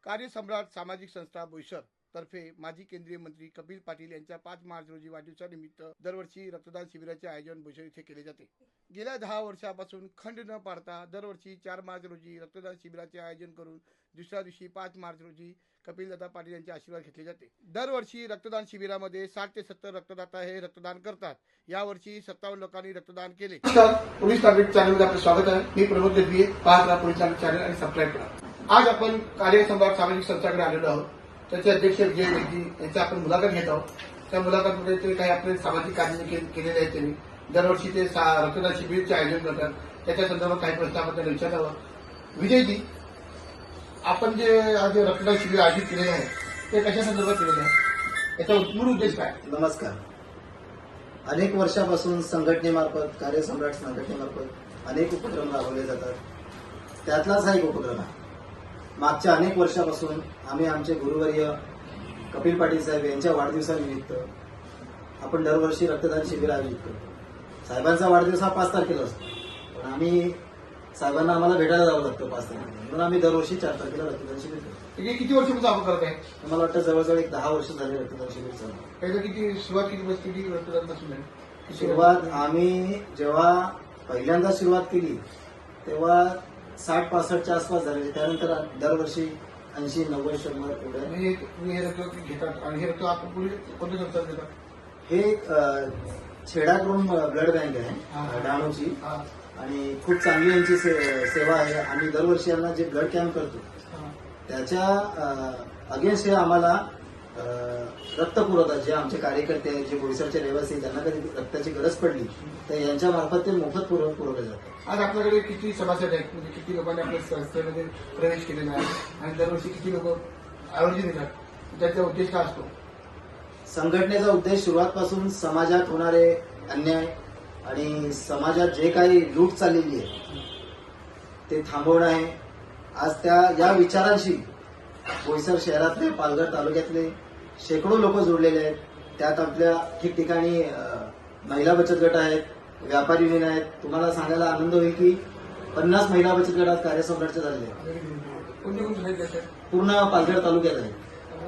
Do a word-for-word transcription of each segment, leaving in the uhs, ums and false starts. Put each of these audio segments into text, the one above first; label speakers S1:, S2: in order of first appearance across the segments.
S1: कार्यसम्राट सामाजिक संस्था बोईसर तर्फे माजी केंद्रीय मंत्री कपिल पाटील यांच्या पाच मार्च रोजी वाढदिवसानिमित्त दरवर्षी रक्तदान शिबिराचे आयोजन बोईसर येथे केले जाते। गेल्या दहा वर्षापासून खंड न पाडता दरवर्षी चार मार्च रोजी रक्तदान शिबिराचे आयोजन करून दुसऱ्या दिवशी पाच मार्च रोजी कपिलदादा पाटील यांचे आशीर्वाद घेतले जाते। दरवर्षी रक्तदान शिबिरामध्ये साठ ते सत्तर रक्तदाता हे रक्तदान करतात। यावर्षी सत्तावन्न लोकांनी रक्तदान केले। पोलीस नागरिक चॅनलमध्ये आपले स्वागत आहे। मी प्रमोद देवी, पाहत राहा पोलीस नागरिक चॅनल आणि सबस्क्राईब करा। आज आपण कार्यसम्राट सामाजिक संस्थाकडे आलेलो आहोत। त्याचे अध्यक्ष विजय वेदी यांची आपण मुलाखत घेत आहोत। त्या मुलाखतीमध्ये ते काही आपले सामाजिक कार्य केलेले आहेत। त्यांनी दरवर्षी ते रक्तदान शिबिरचे आयोजन करतात। त्याच्या संदर्भात काही प्रश्न आपण विचारावं। विजयजी, आपण जे आज रक्तदान शिबिर आयोजित केलेले आहे ते कशा संदर्भात केलेले आहे, याचा मूळ उद्देश काय?
S2: नमस्कार। अनेक वर्षापासून संघटनेमार्फत, कार्यसम्राट संघटनेमार्फत अनेक उपक्रम राबवले जातात। त्यातलाच हा एक उपक्रम आहे। मागच्या अनेक वर्षापासून आम्ही आमचे गुरुवर्य कपिल पाटील साहेब यांच्या वाढदिवसानिमित्त आपण दरवर्षी रक्तदान शिबिर आयोजित करतो। साहेबांचा वाढदिवस हा पाच तारखेला असतो, पण आम्ही साहेबांना आम्हाला भेटायला जावं लागतं पाच तारखेला, म्हणून आम्ही दरवर्षी चार तारखेला रक्तदान शिबिर करतो।
S1: हे किती वर्षापासून आपण करत आहे?
S2: मला वाटतं जवळजवळ एक दहा वर्ष झाले रक्तदान शिबिर चालू।
S1: त्याचं किती सुरुवात किती बस किती रक्तदानापासून आहे?
S2: सुरुवात आम्ही जेव्हा पहिल्यांदा सुरुवात केली तेव्हा साठ पासष्टच्या आसपास झाले। त्यानंतर दरवर्षी ऐंशी नव्वद शंभर एवढ्या
S1: हे रक्त घेतात आणि हे रक्त आपण कोणत्या संस्थेत देतात?
S2: हे छेडा करून ब्लड बँक आहे डहाणूची, आणि खूप चांगली यांची सेवा आहे। आम्ही दरवर्षी यांना जे ब्लड कॅम्प करतो त्याच्या अगेन्स्ट हे आम्हाला रक्त पुरवतात। जे आमचे कार्यकर्ते आहेत, जे बोईसरचे रहिवासी, त्यांना कधी रक्ताची गरज पडली तर यांच्या मार्फत ते मोफत पुरवले जातात।
S1: आज आपल्याकडे किती सभासद आहेत, म्हणजे किती लोकांनी आपल्या संस्थेमध्ये प्रवेश केलेला आहे आणि दरवर्षी किती लोक आयोजन देतात, त्याचा उद्देश काय असतो?
S2: संघटनेचा उद्देश सुरुवातपासून समाजात होणारे अन्याय आणि समाजात जे काही लूट चाललेली आहे ते थांबवणं आहे। आज त्या या विचारांशी बोईसर शहरातले, पालघर तालुक्यातले शेकडो लोक जोडलेले आहेत। त्यात आपल्या ठिकठिकाणी महिला बचत गट आहेत, व्यापारी युनियन आहेत। तुम्हाला सांगायला आनंद होईल की पन्नास महिला बचत गट आज कार्यसम्राटचे झालेले आहेत। पूर्ण पालघर तालुक्यात आहे।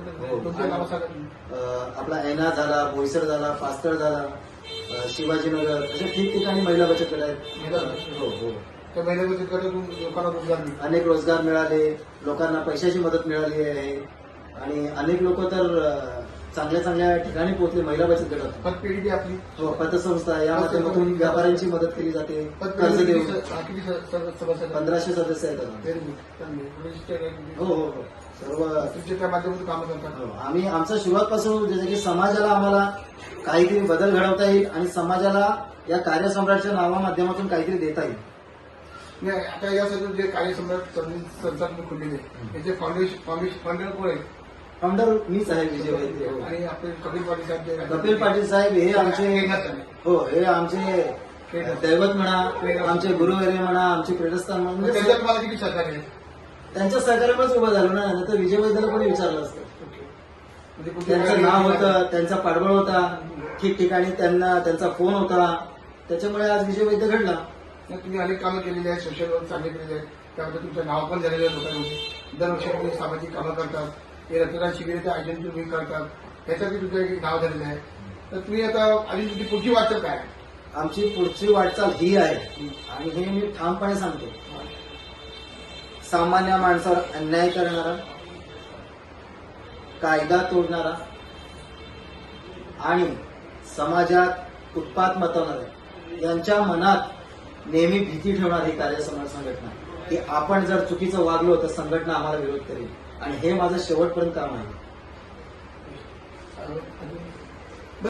S2: आपला ऐना झाला, बोईसर झाला, पास्तळ झाला, शिवाजीनगर, अशा ठिकठिकाणी महिला बचत गट आहेत। हो हो
S1: त्या महिला बचत गटातून लोकांना रोजगार मिळाले,
S2: अनेक रोजगार मिळाले, लोकांना पैशाची मदत मिळाली आहे आणि अनेक लोक तर चांगल्या चांगल्या ठिकाणी पोहोचले महिला बचत गटात।
S1: पतपेढी आपली
S2: हो पतसंस्था, या माध्यमातून व्यापाऱ्यांची मदत केली जाते। कर्ज देऊन पंधराशे सदस्य आहेत। हो हो हो सर्व
S1: तुमच्या माध्यमातून कामं करतात।
S2: आम्ही आमच्या सुरुवातपासून जसं की समाजाला आम्हाला काहीतरी बदल घडवता येईल आणि समाजाला या कार्यसम्राटच्या नावा माध्यमातून काहीतरी देता येईल।
S1: नाही, आता यासाठी जे कार्यसम्राट संस्था खुललेली आहे त्याचे फाउंडेशन फाउंडर कोण आहे?
S2: फाउंडर मीच आहे, विजय वैद्य।
S1: आणि आपले कपिल पाटील साहेब,
S2: कपिल पाटील साहेब हे आमचे हो हे आमचे दैवत म्हणा, आमचे गुरुवर्य म्हणा, आमचे प्रेरणास्थान म्हणून।
S1: त्याच्यात मला किती सहकार्य आहे?
S2: त्यांच्या सहकार्यामुळेच उभं झालो ना, नाही तर विजय वैद्यला कोणी विचारलं असतं। त्यांचं नाव होतं, त्यांचा पाठबळ होता, ठिकठिकाणी त्यांना त्यांचा फोन होता, त्याच्यामुळे आज विजय वैद्य घडला।
S1: तुम्ही अनेक कामं केलेली आहेत, सोशल वर्क चांगले केलेले आहेत, त्यामध्ये तुमचं नाव पण झालेलं आहे लोकांमध्ये। दरवर्षी तुम्ही सामाजिक कामं करतात, हे रक्तदान शिबिराचं आयोजन तुम्ही करतात, त्याच्यातही तुमचं एक नाव झालेलं आहे। तर तुम्ही आता आणि तुमची पुढची वाटचाल काय?
S2: आमची पुढची वाटचाल ही आहे आणि हे मी ठामपणे सांगतो, सामान्य माणसावर अन्याय करणारा, कायदा तोडणारा आणि समाजात उत्पात मतवणारा यांच्या मनात नेहमी भीती ठेवणारी कार्यसम्राट संघटना, की आपण जर चुकीचं वागलो तर संघटना आम्हाला विरोध करेल, आणि हे माझं शेवटपर्यंत काम आहे।